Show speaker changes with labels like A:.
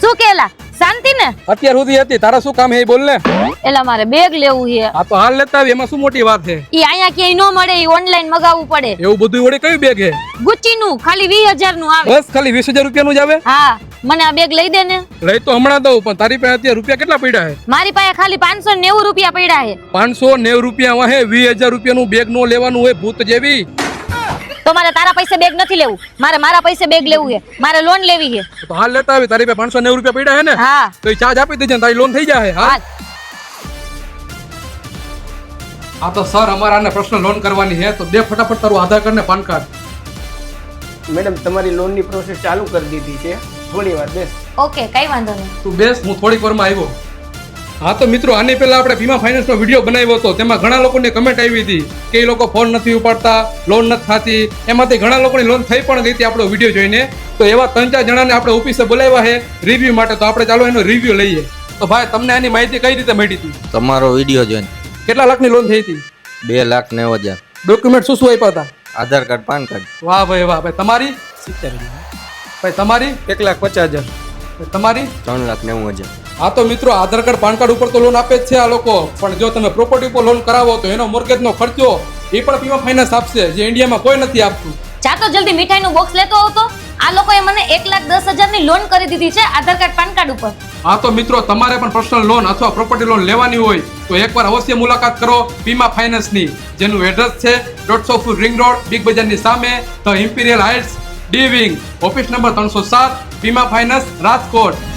A: શું કેલા શાંતિ ને
B: અત્યાર સુધી હતી તારા શું કામ હે બોલ ને
A: એલા મારે બેગ લેવું છે
B: આ તો હાલ લેતા આવી એમાં શું મોટી વાત છે
A: ઈ અહીંયા ક્યાંય નો મળે ઈ ઓનલાઈન મગાવવું પડે
B: એવું બધું વડે કયું બેગ હે
A: ગુચ્ચી નું ખાલી 20,000 નું આવે
B: બસ ખાલી 20,000 રૂપિયાનું જ આવે
A: હા મને આ બેગ લઈ દે ને
B: લઈ તો હમણાં દઉં પણ તારી પાસે અત્યારે રૂપિયા કેટલા પડ્યા હે
A: મારી પાસે ખાલી 590 રૂપિયા પડ્યા છે
B: 590 રૂપિયા વાહે 20,000 રૂપિયાનું બેગ નો લેવાનું હોય ભૂત જેવી
A: તો મારે તારા પૈસે બેગ નથી લેવું મારા પૈસે બેગ લેવું છે મારે લોન લેવી છે
B: તો હાલ લેતા આવી તારી પાસે 590 રૂપિયા પડ્યા હે ને
A: હા
B: તો એ ચાર્જ આપી દેજે ને તારી લોન થઈ જાય હા આ તો સર અમારાને પર્સનલ લોન કરવાની છે તો દે ફટાફટ તારું આધાર કાર્ડ ને પાન કાર્ડ
C: મેડમ તમારી લોનની પ્રોસેસ ચાલુ કરી દીધી છે થોડી વાર બેસ
A: ઓકે કઈ વાંધો નહીં
B: તું બેસ હું થોડીક વારમાં આવ્યો હા તો મિત્રો આની પહેલા આપણે વીમા ફાઇનાન્સનો વિડીયો બનાવ્યો હતો તેમાં ઘણા લોકોની કમેન્ટ આવી હતી કે એ લોકો ફોન નથી ઉપાડતા લોન નથી થતી એમાંથી ઘણા લોકોની લોન થઈ પણ ગઈ હતી આપણો વિડીયો જોઈને તો એવા 3-4 જણાને આપણે ઓફિસે બોલાવ્યા છે રિવ્યુ માટે તો આપણે ચાલો એનો રિવ્યુ લઈએ તો ભાઈ તમને આની માહિતી કઈ રીતે મળી હતી
D: તમારો વિડીયો જોઈને
B: કેટલા લાખની લોન થઈ હતી
D: 2,90,000
B: ડોક્યુમેન્ટ શું શું આપ્યા હતા
D: આધાર કાર્ડ પાન કાર્ડ
B: વાહ ભાઈ તમારી
C: 70,000
B: ભાઈ તમારી
C: 1,50,000
B: તમારી
D: 3,90,000
B: હા તો મિત્રો આધાર કાર્ડ પાન કાર્ડ ઉપર તો લોન આપે જ છે આ લોકો પણ જો તમે પ્રોપર્ટી ઉપર લોન કરાવો તો એનો મોર્ગેજનો ખર્ચો એ પણ વીમા ફાઇનાન્સ આપશે જે ઇન્ડિયામાં કોઈ નથી આપતું
A: જા તો જલ્દી મીઠાઈનું બોક્સ લેતો આવતો આ લોકોએ મને 1,10,000 ની લોન કરી દીધી છે આધાર કાર્ડ પાન કાર્ડ ઉપર
B: હા તો મિત્રો તમારે પણ પર્સનલ લોન અથવા પ્રોપર્ટી લોન લેવાની હોય તો એકવાર અવશ્ય મુલાકાત કરો વીમા ફાઇનાન્સની જેનું એડ્રેસ છે 150 ફૂટ રિંગ રોડ બિગ બજારની સામે the imperial heights D wing office number 307 વીમા ફાઇનાન્સ રાજકોટ